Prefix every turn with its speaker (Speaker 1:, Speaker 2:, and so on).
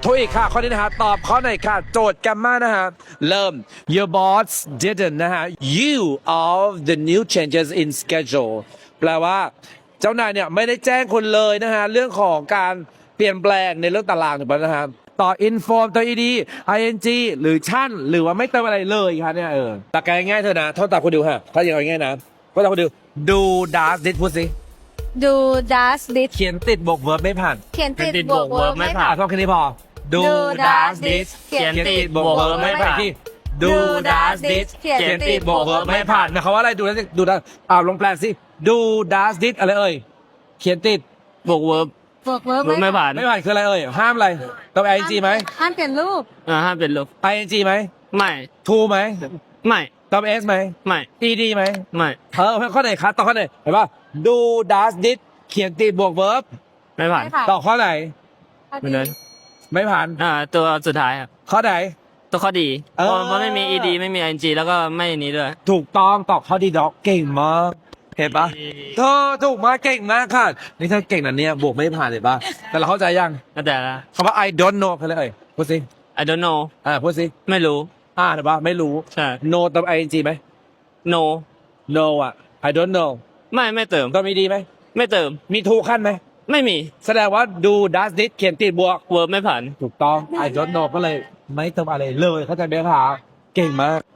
Speaker 1: ถูกอีกค่ะข้อนี้นะฮะตอบข้อไหนค่ะโจทย์แกมมานะฮะเริ่ม your boss didn't นะฮะ you of the new changes in schedule แปลว่าเจ้านายเนี่ยไม่ได้แจ้งคุณเลยนะฮะเรื่องของการเปลี่ยนแปลงในเรื่องตารางถูกไหมนะฮะต่อ inform ตัว ed ing หรือชั่นหรือว่าไม่เติมอะไรเลยครับเนี่ยตะแกง่ายเธอนะโทษตาคุณดิวฮะถ้าอย่างง่ายนะโทษตาคุณดิว do does did พูดสิ
Speaker 2: do does did
Speaker 1: เขียนติดบวก verb ไม่ผ่าน
Speaker 2: เขียนติดบวก verb ไม่ผ่าน
Speaker 1: โทษแค่นี้พอ do
Speaker 2: do
Speaker 1: does
Speaker 2: does
Speaker 1: did
Speaker 2: did เขียนติด
Speaker 1: บวก verb ไม่ผ่านที่ do does did เขียนติดบวก verb ไม่ผ่านนะเขาว่าอะไรดูนะดูนะลงแปลสิ do does did อะไรเอ่ยเขียนติด
Speaker 3: บวกเวิร์บบ
Speaker 2: วก verb
Speaker 3: ไม่ผ่าน
Speaker 1: ไม่ผ่านคืออะไรเอ่ยห้ามอะไรต้อง ing ไหม
Speaker 2: ห้ามเปลี่ยนรูป
Speaker 3: ห้ามเป็นลบ
Speaker 1: ing ไหม
Speaker 3: ไม่
Speaker 1: to ไหม
Speaker 3: ไม่
Speaker 1: ต้อง s ไหม
Speaker 3: ไม่
Speaker 1: ed ไหม
Speaker 3: ไม่
Speaker 1: ข้อไหนครับต่อข้อไหนเห็นป่ะ do does did เขียนติดบวก verb
Speaker 3: ไม่ผ่าน
Speaker 2: ไม่ผ่าน
Speaker 1: ต่อข้อไหน
Speaker 3: ไม่เลย
Speaker 1: ไม่ผ่าน
Speaker 3: ตัวสุดท้ายครับ
Speaker 1: ข้อไหน
Speaker 3: ตัวข้อดี
Speaker 1: เออ
Speaker 3: เพราะไม่มี ed ไม่มี ing แล้วก็ไม่นี้ด้วย
Speaker 1: ถูกต้องตอบข้อดีด็อกเก่งมากเห็นปะเธอถูกมากเก่งมากค่ะนี่เธอเก่งนะเนี่ยบวกไม่ผ่านเลยปะแต่เราเข้าใจยัง
Speaker 3: ก็แต่ละ
Speaker 1: คำว่า I don't know คืออะไรเอ่ยพูดสิ
Speaker 3: I don't know
Speaker 1: พูดสิ
Speaker 3: ไม่รู้
Speaker 1: เห็นปะไม่รู้
Speaker 3: ใช่
Speaker 1: no เติม ing ไหม
Speaker 3: no
Speaker 1: no I don't know
Speaker 3: ไม่เติม
Speaker 1: ก็มีดีไหม
Speaker 3: ไม่เติม
Speaker 1: มีถูกขั้นไหม
Speaker 3: ไม่มี
Speaker 1: แสดงว่า do does did เขียนติดบวก
Speaker 3: เวิร์บไม่ผ่าน
Speaker 1: ถูกต้อง I don't know ก็เลยไม่เติมอะไรเลยเข้าใจไหมคะเก่งมาก